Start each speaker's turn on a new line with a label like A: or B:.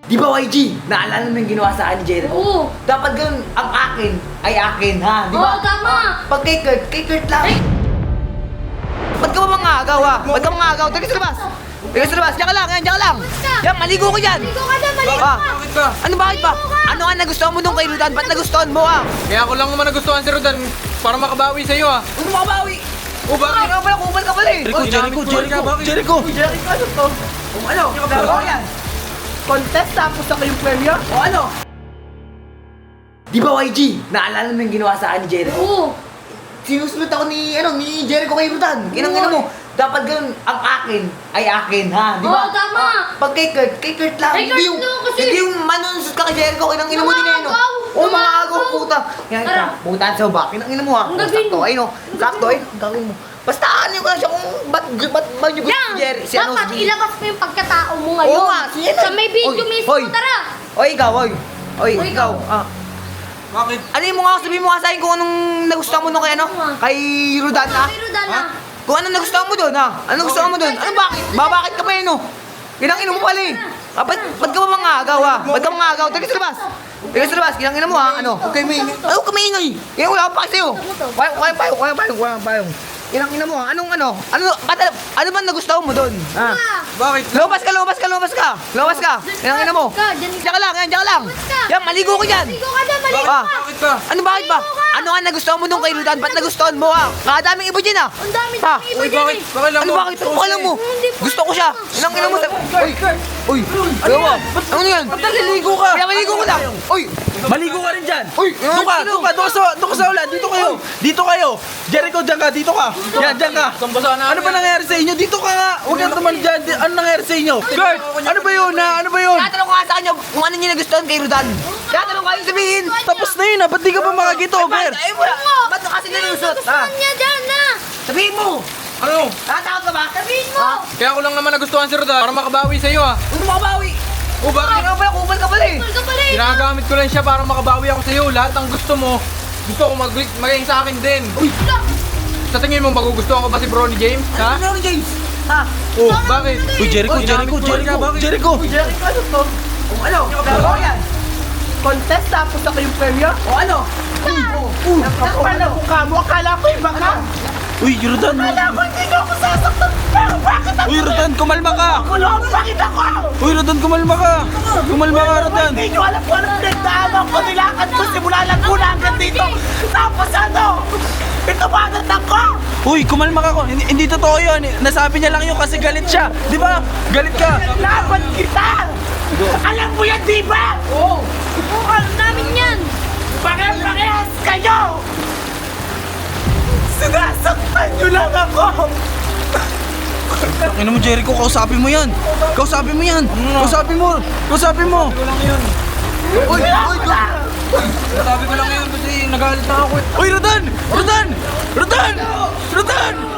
A: Di ba YG? Naalala mo yung ginawa sa akin ni Jericho?
B: Oo.
A: Dapat ganun, ang akin ay akin, ha? Di ba?
B: Oo, tama.
A: Pag kay Kurt lang. Ba't ka ba mga agaw, ha? Ba't ka mga agaw? Teka sa labas! Teka sa labas! Diyan ka lang, diyan ka lang! Yan, maligo ko dyan!
B: Maligo ka dyan, maligo
A: Ah,
B: ka!
C: Bakit ba?
A: Ano bakit ba?
B: Maligo ka!
A: Ano nga nagustuhan mo nung kay Rodan? Ba't nagustuhan mo, ha?
C: Kaya ako lang naman nagustuhan si Rodan para makabawi sa'yo ah.
A: Ano makabawi?
C: O bakit?
A: Ano pala, kupal ka pala eh!
C: Jericho!
D: Jericho!
A: Jericho, ano to? O ano? Laro yan!
D: Contest tapos ako yung premyo?
A: O ano? Di ba YG? Naalala mo yung ginawa sa akin ni Jericho?
B: Oo.
A: Sinusunod ako ni Jericho kay Rodan. Kinang mo. Dapat ganun, ang akin ay akin, ha? Di ba?
B: Oo, tama.
A: Pag kay Kurt lang.
B: Kay Kurt
A: Hindi yung,
B: lang kasi.
A: hindi yung manunsot ka kay Jericho, kinang mo din eh, no?
B: Mga agaw.
A: Oo, mga
B: Mga
A: agaw,
B: agaw.
A: puta. Yan,
B: Tara.
A: puta sa ba? Kinang mo, ha?
B: Ang gagawin
A: Sakto,
B: mo.
A: ay, no? Sakto, ay, ang gagawin mo. Basta ano ko na siya kung ba't ba niyo gusto
B: Yan!
A: si Jerry? Si ano,
B: Dapat
A: si-
B: ilabas mo yung pagkatao mo ngayon.
A: Oo nga, si ano?
B: Sa may video
A: Oy,
B: mismo,
A: oy.
B: tara!
A: Oy, ikaw, oy. Oy,
B: Oy,
A: ikaw.
B: ikaw.
C: Bakit?
A: Ano mo nga, sabihin mo nga sa akin kung anong nagustuhan mo nung kay ano? Kay Rodan, ha?
B: Pero Dana,
A: Kung anong nagustuhan mo doon, ha? Anong gustuhan mo doon? Ano bakit? Bakit ka pa yun, no? Ginangin mo pala eh. Ah, ba't ka ba mga agaw, ha? Ba't ka mga agaw? Teka sa labas. Teka sa labas, ginangin mo, ha? Ano? Okay, may ingay. Ano ka may ingay? Yan, wala pa kasi, oh. Kaya payong. Ginangin mo, ha? Anong ano? Ano ba nagustuhan mo doon? Ha?
C: Bakit?
A: Lumabas ka! Ginangin mo. Diyan ka lang, diyan ka lang. Yan, maligo ko dyan.
B: maligo ka dyan, maligo
A: Ah.
B: ka!
C: Bakit ba?
A: Ano bakit ba? Ano nga nagustuhan mo nung kay Rodan? Ba't nagustuhan mo, ha? Kadaming iba dyan, ha?
B: Ang dami
A: Ha?
B: iba
C: Uy,
B: dyan
C: bakit?
B: eh!
C: Bakit lang
A: Ano
C: mo?
A: bakit? Ano alam mo?
B: Hindi pa.
A: Gusto ko siya. Ginangin mo sa... Uy! Ano mo? Ano yan?
D: Ba't naliligo ka?
A: Kaya maligo ko lang. Uy!
D: Maligo ka rin dyan!
A: Uy!
D: Doon ka sa ulan, dito kayo! Dito kayo! Jericho, dyan ka, dito ka! Yan, dyan ka!
C: Basa na.
D: Ano ba nangyari sa inyo? Dito ka nga! Huwag kang naman dyan! Ano nangyari sa inyo? Kurt! Ano ba yun ha? Ano ba yun?
A: Tatanong ko nga sa kanya kung ano niya nagustuhan kay Rodan. Tatanong ko kayo sabihin.
D: Tapos na yun ha! Ba't di ka pa makakitover?
A: Ay mo! Ba't ka kasi nalusot? Ha?
B: Gustuhan niya dyan na!
A: Sabihin mo!
C: Ano?
A: Tatakot ka ba?
B: Sabihin mo!
C: Kaya ako lang naman nagustuhan si Rodan para makabawi sa'yo ah.
A: Ano makabawi?
C: O bakit?
A: Ano pala? Kupal ka pala eh.
B: Kupal ka pala eh!
C: Ginagamit ko lang siya para makabawi ako sa'yo. Lahat ng gusto mo, gusto ko maging sa akin din.
A: Uy!
C: Sa tingin mo, magugustuhan ko ba si Bronny James? Ha?
A: Ano James? Ha?
C: Oh, bakit?
D: Uy, Jericho!
C: Ginamit ko lang siya, bakit?
D: Jericho!
A: Jericho, ano to? O ano? Laro yan.
D: Contest tapos ako yung premyo?
A: O ano?
D: Kapal na mukha mo! Akala ko iba ka! Uy, Rodan! Akala ko hindi ka ako sasaktan! Pero bakit ako? Uy, Rodan, kumalma ka! Kulong, bakit ako? Uy, Rodan, kumalma ka! Kumalma ka, Rodan! Hindi nyo alam kung anong pinagdaanan ko. Nilakad ko simula Laguna hanggang dito. Tapos ano? Ito ba agad ko? Uy, kumalma ka ko. Hindi totoo yun. Nasabi niya lang yun kasi galit siya. Di ba? Galit ka. Laban kita! Alam mo yan, di ba? Oo.
B: Oo, alam namin yan!
D: Parehas kayo! Sinasaktan nyo lang ako! Ano mo, Jericho, kausapin mo yan! Kausapin mo yan! Kausapin mo! Kausapin mo!
A: Uy!
C: Sabi ko lang yun kasi nagalit na ako eh.
D: Uy, Rodan! Rodan! Rodan! Rodan!